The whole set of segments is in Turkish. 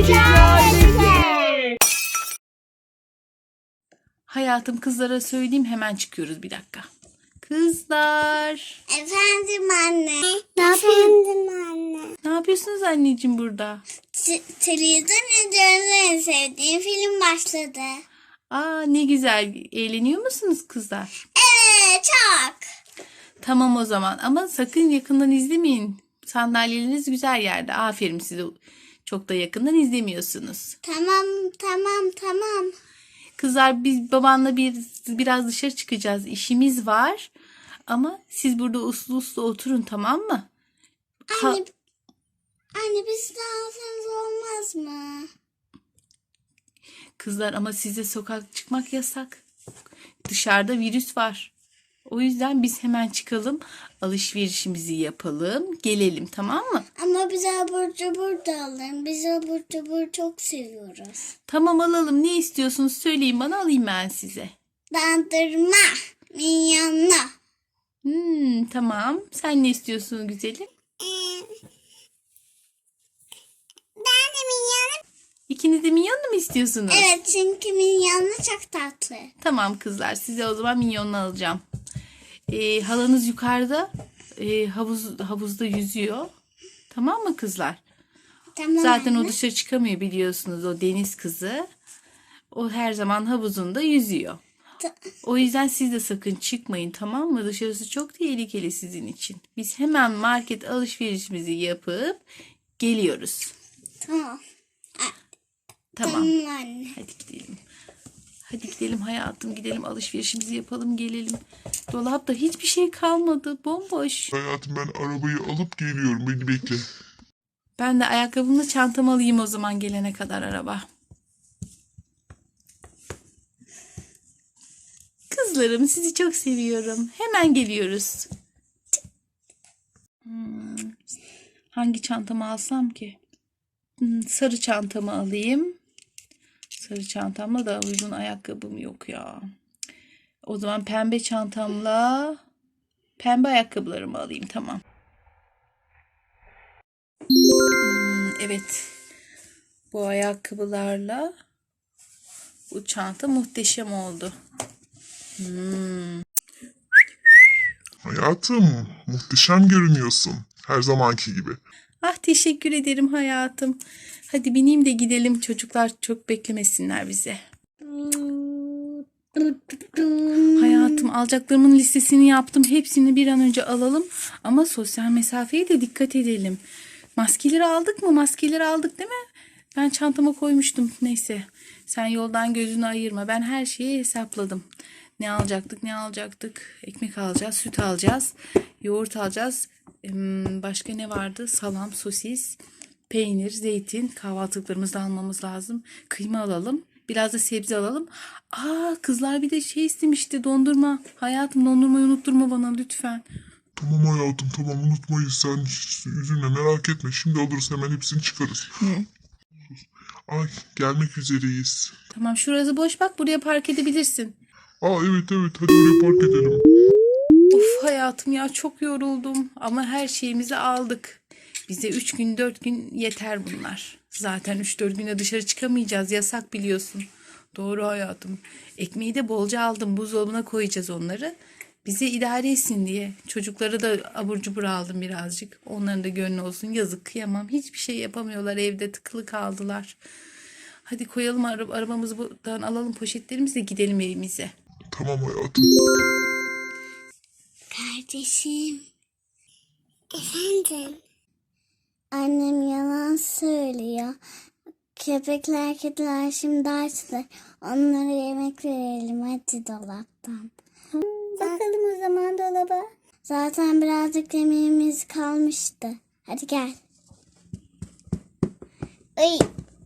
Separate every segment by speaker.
Speaker 1: Hayatım, kızlara söyleyeyim, hemen çıkıyoruz, bir dakika. Kızlar.
Speaker 2: Efendim anne.
Speaker 1: Ne yapıyorsunuz anneciğim burada?
Speaker 2: Televizyon izliyoruz, en sevdiğim film başladı.
Speaker 1: Aa, ne güzel. Eğleniyor musunuz kızlar?
Speaker 2: Evet, çok.
Speaker 1: Tamam o zaman, ama sakın yakından izlemeyin. Sandalyeleriniz güzel yerde. Aferin size. Çok da yakından izlemiyorsunuz.
Speaker 2: Tamam.
Speaker 1: Kızlar, biz babanla biraz dışarı çıkacağız. İşimiz var. Ama siz burada uslu uslu oturun, tamam mı?
Speaker 2: Anne biz de alsanız olmaz mı?
Speaker 1: Kızlar, ama size sokak çıkmak yasak. Dışarıda virüs var. O yüzden biz hemen çıkalım, alışverişimizi yapalım, gelelim, tamam mı?
Speaker 2: Ama biz abur cubur da alın. Biz abur cubur çok seviyoruz.
Speaker 1: Tamam, alalım. Ne istiyorsunuz söyleyin bana, alayım ben size.
Speaker 2: Dondurma, minyonlu.
Speaker 1: Tamam. Sen ne istiyorsun güzelim?
Speaker 2: Ben de minyonlu.
Speaker 1: İkiniz de minyonlu mu istiyorsunuz?
Speaker 2: Evet, çünkü minyonlu çok tatlı.
Speaker 1: Tamam kızlar, size o zaman minyonlu alacağım. Halanız yukarıda havuzda yüzüyor. Tamam mı kızlar?
Speaker 2: Tamam
Speaker 1: Zaten
Speaker 2: anne.
Speaker 1: o dışarı çıkamıyor, biliyorsunuz, o deniz kızı. O her zaman havuzunda yüzüyor. O yüzden siz de sakın çıkmayın, tamam mı? Dışarısı çok tehlikeli sizin için. Biz hemen market alışverişimizi yapıp geliyoruz.
Speaker 2: Tamam.
Speaker 1: Tamam.
Speaker 2: Tamam anne.
Speaker 1: Hadi gidelim. Hadi gidelim hayatım, gidelim alışverişimizi yapalım, gelelim. Dolapta hiçbir şey kalmadı, bomboş.
Speaker 3: Hayatım, ben arabayı alıp geliyorum. Beni bekle.
Speaker 1: Ben de ayakkabımla çantamı alayım o zaman, gelene kadar araba. Kızlarım, sizi çok seviyorum. Hemen geliyoruz. Hangi çantamı alsam ki? Sarı çantamı alayım. Sarı çantamla da uygun ayakkabım yok ya. O zaman pembe çantamla pembe ayakkabılarımı alayım, tamam. Evet. Bu ayakkabılarla bu çanta muhteşem oldu.
Speaker 3: Hayatım, muhteşem görünüyorsun. Her zamanki gibi.
Speaker 1: Ah, teşekkür ederim hayatım. Hadi bineyim de gidelim. Çocuklar çok beklemesinler bize. Hayatım, alacaklarımın listesini yaptım. Hepsini bir an önce alalım. Ama sosyal mesafeye de dikkat edelim. Maskeleri aldık mı? Maskeleri aldık değil mi? Ben çantama koymuştum. Neyse. Sen yoldan gözünü ayırma. Ben her şeyi hesapladım. Ne alacaktık? Ekmek alacağız, süt alacağız, yoğurt alacağız. Başka ne vardı? Salam, sosis, peynir, zeytin. Kahvaltılıklarımızı da almamız lazım. Kıyma alalım. Biraz da sebze alalım. Kızlar bir de şey istemişti, dondurma. Hayatım, dondurmayı unutturma bana lütfen.
Speaker 3: Tamam hayatım, tamam, unutmayız. Sen hiç üzülme, merak etme. Şimdi alırız, hemen hepsini çıkarız. Ay, gelmek üzereyiz.
Speaker 1: Tamam, şurası boş, bak buraya park edebilirsin.
Speaker 3: Evet, hadi oraya park edelim.
Speaker 1: Of hayatım ya, çok yoruldum ama her şeyimizi aldık. Bize 3 gün 4 gün yeter bunlar. Zaten 3-4 güne dışarı çıkamayacağız, yasak biliyorsun. Doğru hayatım. Ekmeği de bolca aldım, buzdolabına koyacağız onları. Bize idare etsin diye. Çocuklara da abur cubur aldım birazcık. Onların da gönlü olsun, yazık, kıyamam. Hiçbir şey yapamıyorlar, evde tıkılı kaldılar. Hadi koyalım arabamızı, buradan alalım poşetlerimizi de gidelim evimize.
Speaker 3: Tamam hayatım.
Speaker 2: Kardeşim. Efendim? Annem yalan söylüyor. Köpekler, kediler şimdi açtı. Onlara yemek verelim hadi dolaptan. Bakalım o zaman dolaba. Zaten birazcık yemeğimiz kalmıştı. Hadi gel. Ay.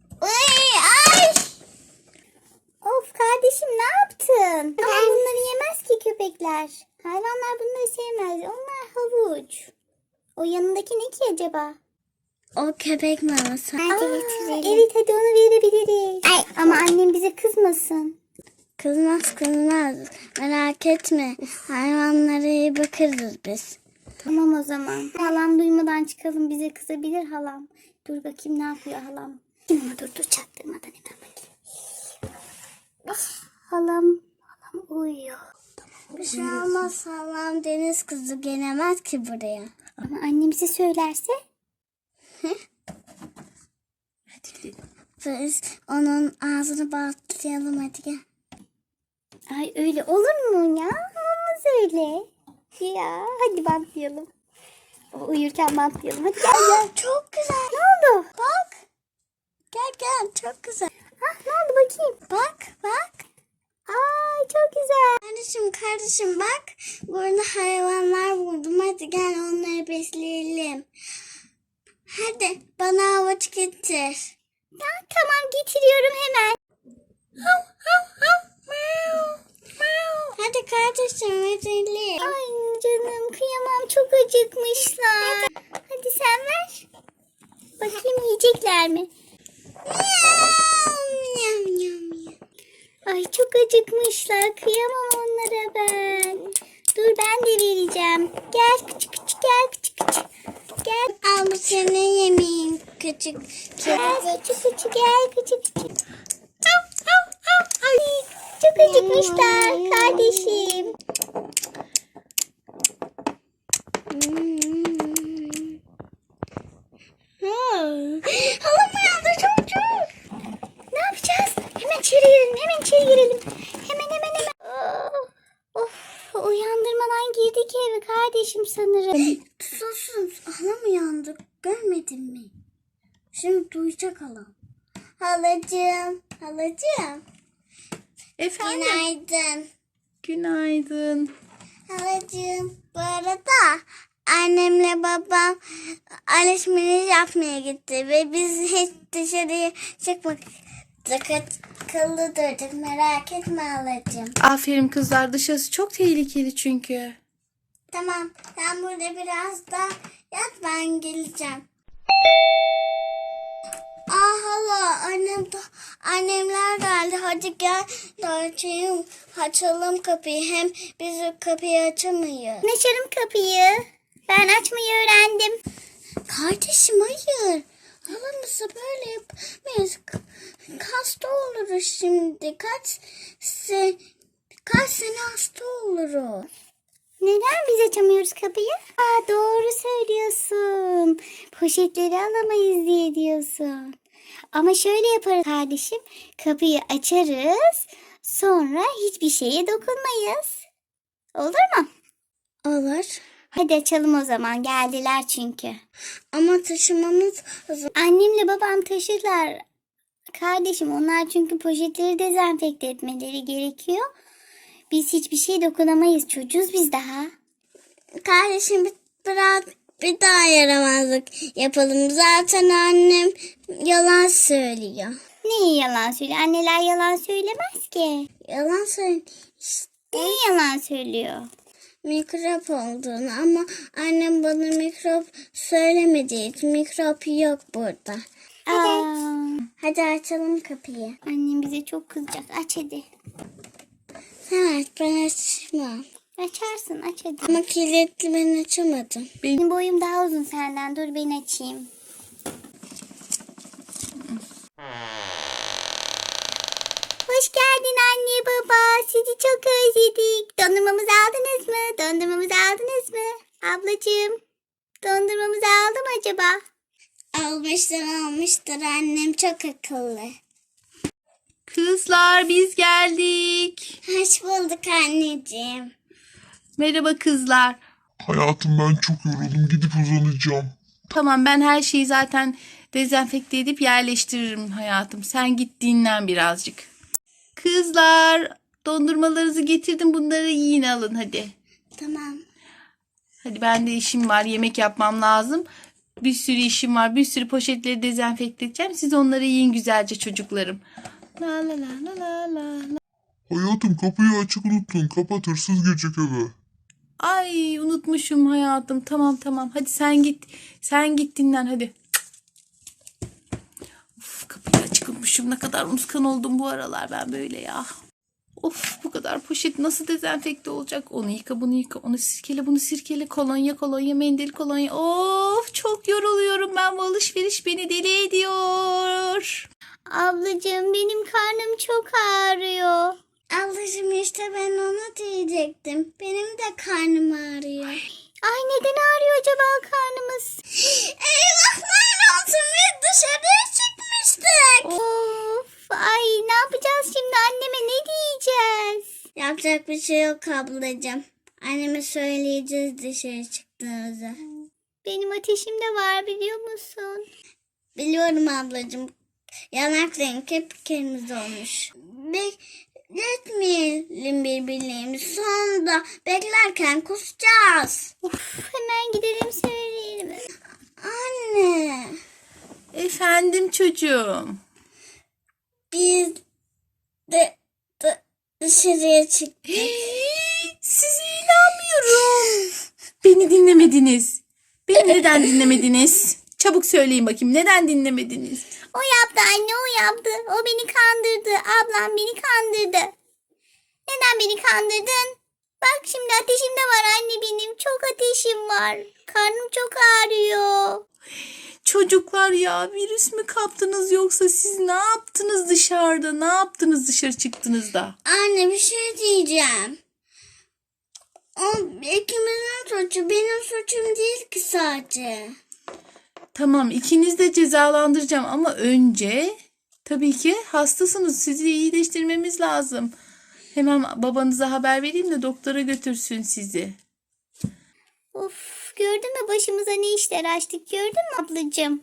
Speaker 2: Of kardeşim, ne yaptın? Ama bunları yemez ki köpekler. Hayvanlar bunları sevmez. Onlar havuç. O yanındaki ne ki acaba? O köpek maması. Hadi getirelim. Evet, hadi onu verebiliriz. Ama annem bize kızmasın. Kızmaz. Merak etme. Hayvanlara iyi bakarız biz. Tamam o zaman. Halam duymadan çıkalım, bize kızabilir halam. Dur bakayım ne yapıyor halam. Ama dur çaktırmadan hemen bakayım. Halam uyuyor.
Speaker 4: Bir şey olmaz, halam deniz kızı gelemez ki buraya.
Speaker 2: Ama annemize söylerse?
Speaker 1: Hadi gidelim.
Speaker 4: Biz onun ağzını bantlayalım, hadi gel.
Speaker 2: Ay öyle olur mu ya? Olmaz öyle. Ya hadi bantlayalım. O uyurken bantlayalım. Hadi gel.
Speaker 4: Çok güzel.
Speaker 2: Ne oldu?
Speaker 4: Bak. Gel çok güzel.
Speaker 2: Ne oldu bakayım?
Speaker 4: Bak.
Speaker 2: Ay çok güzel.
Speaker 4: Kardeşim bak. Burada hayvanlar buldum. Hadi gel onları besleyelim. Hadi bana havuç getir.
Speaker 2: Ya, tamam getiriyorum hemen.
Speaker 4: Hadi kardeşim verelim.
Speaker 2: Ay canım kıyamam çok acıkmışlar. Hadi sen ver. Bakayım yiyecekler mi?
Speaker 4: Yam, yam, yam.
Speaker 2: Ay çok acıkmışlar. Kıyamam onlara ben. Dur ben de vereceğim. Gel küçük gel küçük. Gel.
Speaker 4: Al bu senin yemeğin küçük.
Speaker 2: Gel küçük gel küçük. Ay çok acıkmışlar kardeşim.
Speaker 4: Halam uyandı çocuk.
Speaker 2: Ne yapacağız? Hemen içeri girelim. Hemen. Of uyandırmadan girdik eve kardeşim sanırım.
Speaker 4: Sus. Halam uyandı. Görmedin mi? Şimdi duyacak halam. Halacığım.
Speaker 1: Efendim.
Speaker 4: Günaydın.
Speaker 1: Günaydın.
Speaker 4: Halacığım. Bu arada annemle babam alışveriş yapmaya gitti ve biz hiç dışarıya çıkmadık. Akıllı durduk, merak etme halacığım.
Speaker 1: Aferin kızlar, dışarısı çok tehlikeli çünkü.
Speaker 4: Tamam, sen burada biraz da yat, ben geleceğim. Hala annemler geldi. Hadi gel de açalım kapıyı. Hem biz kapıyı açamayız.
Speaker 2: Açarım kapıyı. Ben açmayı öğrendim.
Speaker 4: Kardeşim hayır. Halamızı böyle yapamayız. Hasta oluruz şimdi. Kaç sene hasta oluruz.
Speaker 2: Neden biz açamıyoruz kapıyı? Doğru söylüyorsun. Poşetleri alamayız diye diyorsun. Ama şöyle yaparız kardeşim. Kapıyı açarız. Sonra hiçbir şeye dokunmayız. Olur mu?
Speaker 4: Olur.
Speaker 2: Hadi açalım o zaman. Geldiler çünkü.
Speaker 4: Ama taşımamız lazım.
Speaker 2: Annemle babam taşırlar. Kardeşim onlar çünkü poşetleri dezenfekte etmeleri gerekiyor. Biz hiçbir şey dokunamayız. Çocuğuz biz daha.
Speaker 4: Kardeşim bir daha yaramazlık yapalım. Zaten annem yalan söylüyor.
Speaker 2: Neyi yalan söylüyor? Anneler yalan söylemez ki.
Speaker 4: Yalan söylüyor.
Speaker 2: Neyi yalan söylüyor?
Speaker 4: Mikrop olduğunu ama annem bana mikrop söylemediği için mikrop yok burada. Hadi açalım kapıyı.
Speaker 2: Annem bize çok kızacak. Aç hadi.
Speaker 4: Evet, ben açmam.
Speaker 2: Açarsın aç hadi.
Speaker 4: Ama kilitli, ben açamadım.
Speaker 2: Benim boyum daha uzun senden. Dur ben açayım. Hoş geldin anne baba. Sizi çok özledik. Dondurmamızı aldınız mı? Ablacığım. Dondurmamızı aldı mı acaba?
Speaker 4: Almıştır annem, çok akıllı.
Speaker 1: Kızlar biz geldik.
Speaker 4: Hoş bulduk anneciğim.
Speaker 1: Merhaba kızlar.
Speaker 3: Hayatım ben çok yoruldum. Gidip uzanacağım.
Speaker 1: Tamam, ben her şeyi zaten dezenfekte edip yerleştiririm hayatım. Sen git dinlen birazcık. Kızlar, dondurmalarınızı getirdim. Bunları yiyin, alın hadi.
Speaker 4: Tamam.
Speaker 1: Hadi, ben de işim var. Yemek yapmam lazım. Bir sürü işim var. Bir sürü poşetleri dezenfekte edeceğim. Siz onları yiyin güzelce çocuklarım. La la la la la la.
Speaker 3: Hayatım kapıyı açık unuttun. Kapat, hırsız girecek eve.
Speaker 1: Ay unutmuşum hayatım. Tamam. Hadi sen git. Sen git dinlen hadi. Of, kapıyı açık unutmuşum. Ne kadar unutkan oldum bu aralar ben böyle ya. Of, bu kadar poşet nasıl dezenfekte olacak? Onu yıka, bunu yıka, onu sirkele, bunu sirkele, kolonya, mendil, kolonya. Of, çok yoruluyorum ben, bu alışveriş beni deli ediyor.
Speaker 2: Ablacığım benim karnım çok ağrıyor.
Speaker 4: Ablacığım işte ben ona diyecektim. Benim de karnım ağrıyor.
Speaker 2: Ay neden ağrıyor acaba karnımız?
Speaker 4: Eyvahlar olsun, biz dışarıya çıkmıştık.
Speaker 2: Of, ay ne yapacağız şimdi, anneme ne diyeceğiz?
Speaker 4: Yapacak bir şey yok ablacığım. Anneme söyleyeceğiz dışarı çıktığınızı.
Speaker 2: Benim ateşim de var biliyor musun?
Speaker 4: Biliyorum ablacığım. Yanakların kıpkırmızı olmuş. Bekletmeyelim birbirlerimizi. Sonunda beklerken kusacağız.
Speaker 2: Of, hemen gidelim söyleyelim.
Speaker 4: Anne.
Speaker 1: Efendim çocuğum.
Speaker 4: Biz dışarıya çıktık.
Speaker 1: Size inanmıyorum. Beni dinlemediniz. Beni neden dinlemediniz? Çabuk söyleyin bakayım, neden dinlemediniz?
Speaker 2: O yaptı anne, o yaptı. O beni kandırdı. Ablam beni kandırdı. Neden beni kandırdın? Bak şimdi ateşim de var anne benim. Çok ateşim var. Karnım çok ağrıyor.
Speaker 1: Çocuklar ya, virüs mü kaptınız yoksa siz ne yaptınız dışarıda? Ne yaptınız dışarı çıktığınızda?
Speaker 4: Anne bir şey diyeceğim. O ikimizin suçu, benim suçum değil ki sadece.
Speaker 1: Tamam, ikiniz de cezalandıracağım ama önce tabii ki hastasınız. Sizi iyileştirmemiz lazım. Hemen babanıza haber vereyim de doktora götürsün sizi.
Speaker 2: Of, gördün mü başımıza ne işler açtık, gördün mü ablacığım?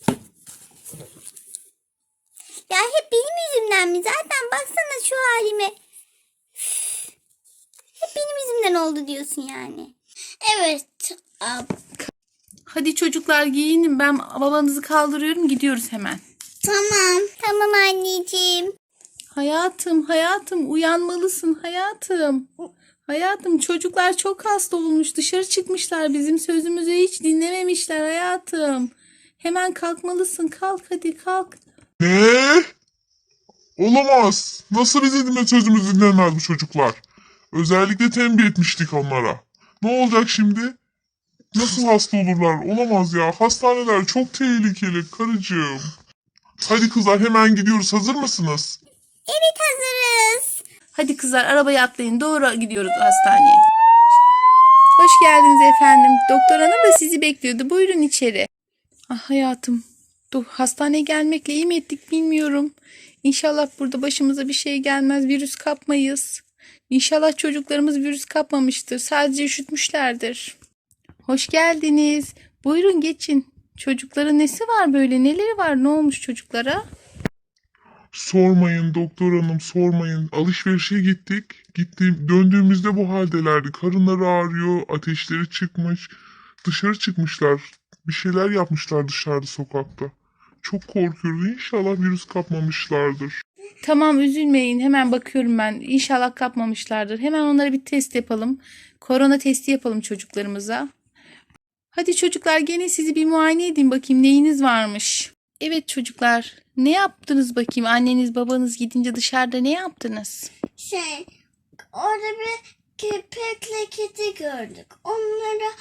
Speaker 2: Ya hep benim yüzümden mi? Zaten baksana şu halime. Üf, hep benim yüzümden oldu diyorsun yani.
Speaker 4: Evet ab.
Speaker 1: Hadi çocuklar giyinin, ben babanızı kaldırıyorum, gidiyoruz hemen.
Speaker 4: Tamam.
Speaker 2: Tamam anneciğim.
Speaker 1: Hayatım uyanmalısın hayatım. Hayatım, çocuklar çok hasta olmuş, dışarı çıkmışlar, bizim sözümüzü hiç dinlememişler hayatım. Hemen kalkmalısın, kalk hadi kalk.
Speaker 3: Ne? Olamaz. Nasıl bizim sözümüzü dinlemez bu çocuklar? Özellikle tembih etmiştik onlara. Ne olacak şimdi? Nasıl hasta olurlar? Olamaz ya. Hastaneler çok tehlikeli karıcığım. Hadi kızlar hemen gidiyoruz. Hazır mısınız?
Speaker 2: Evet hazırız.
Speaker 1: Hadi kızlar, arabaya atlayın, doğru gidiyoruz hastaneye. Hoş geldiniz efendim. Doktor hanım da sizi bekliyordu. Buyurun içeri. Ah hayatım. Hastaneye gelmekle iyi mi ettik bilmiyorum. İnşallah burada başımıza bir şey gelmez. Virüs kapmayız. İnşallah çocuklarımız virüs kapmamıştır. Sadece üşütmüşlerdir. Hoş geldiniz. Buyurun geçin. Çocukların nesi var böyle? Neleri var? Ne olmuş çocuklara?
Speaker 3: Sormayın doktor hanım sormayın. Alışverişe gittik. Döndüğümüzde bu haldelerdi. Karınları ağrıyor. Ateşleri çıkmış. Dışarı çıkmışlar. Bir şeyler yapmışlar dışarıda sokakta. Çok korkuyoruz. İnşallah virüs kapmamışlardır.
Speaker 1: Tamam, üzülmeyin. Hemen bakıyorum ben. İnşallah kapmamışlardır. Hemen onlara bir test yapalım. Korona testi yapalım çocuklarımıza. Hadi çocuklar, gene sizi bir muayene edeyim bakayım neyiniz varmış. Evet çocuklar, ne yaptınız bakayım? Anneniz babanız gidince dışarıda ne yaptınız?
Speaker 4: Orada bir köpekle kedi gördük. Onlara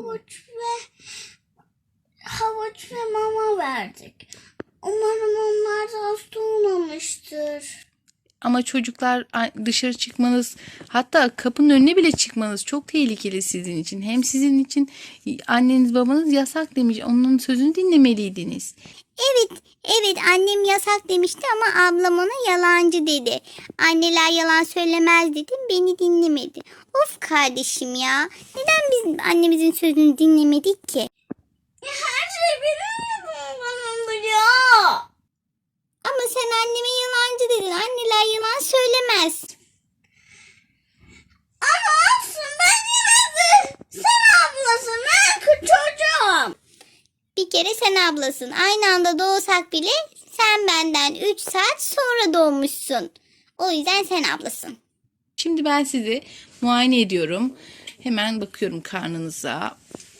Speaker 4: havuç ve mama verdik. Umarım onlar da hasta olmamıştır.
Speaker 1: Ama çocuklar, dışarı çıkmanız, hatta kapının önüne bile çıkmanız çok tehlikeli sizin için. Hem sizin için anneniz babanız yasak demiş. Onun sözünü dinlemeliydiniz.
Speaker 2: Evet annem yasak demişti ama ablam ona yalancı dedi. Anneler yalan söylemez dedim, beni dinlemedi. Of kardeşim ya. Neden biz annemizin sözünü dinlemedik ki?
Speaker 4: Her şey benim yüzümden oluyor.
Speaker 2: Ama sen anneme yalancı dedin. Anneler yalan söylemez.
Speaker 4: Ama olsun, ben yine de sen ablasın, ben çocuğum.
Speaker 2: Bir kere sen ablasın. Aynı anda doğsak bile sen benden 3 saat sonra doğmuşsun. O yüzden sen ablasın.
Speaker 1: Şimdi ben sizi muayene ediyorum. Hemen bakıyorum karnınıza.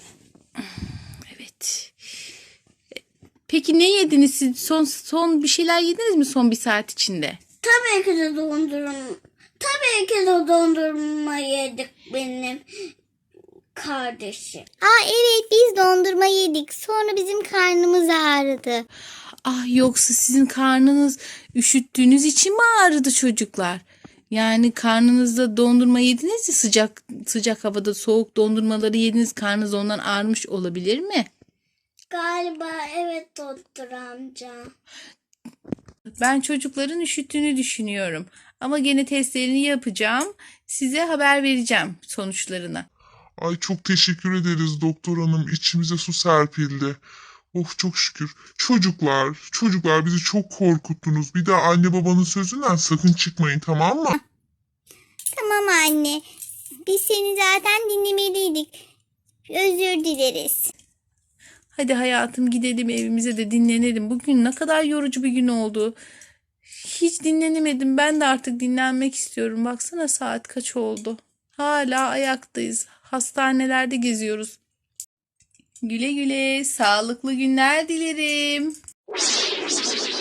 Speaker 1: Evet. Peki ne yediniz siz? Son bir şeyler yediniz mi son bir saat içinde?
Speaker 4: Tabii ki de dondurma. bir kilo dondurma yedik benim kardeşim.
Speaker 2: Evet, biz dondurma yedik. Sonra bizim karnımız ağrıdı.
Speaker 1: Ah, yoksa sizin karnınız üşüttüğünüz için mi ağrıdı çocuklar? Yani karnınızda dondurma yediniz ya, sıcak havada soğuk dondurmaları yediniz, karnınız ondan ağrımış olabilir mi?
Speaker 4: Galiba evet doktor amca.
Speaker 1: Ben çocukların üşüttüğünü düşünüyorum. Ama gene testlerini yapacağım. Size haber vereceğim sonuçlarını.
Speaker 3: Ay çok teşekkür ederiz doktor hanım. İçimize su serpildi. Oh çok şükür. Çocuklar bizi çok korkuttunuz. Bir daha anne babanın sözünden sakın çıkmayın, tamam mı?
Speaker 2: Tamam anne. Biz seni zaten dinlemeliydik. Özür dileriz.
Speaker 1: Hadi hayatım, gidelim evimize de dinlenelim. Bugün ne kadar yorucu bir gün oldu. Hiç dinlenemedim. Ben de artık dinlenmek istiyorum. Baksana saat kaç oldu. Hala ayaktayız. Hastanelerde geziyoruz. Güle güle, sağlıklı günler dilerim.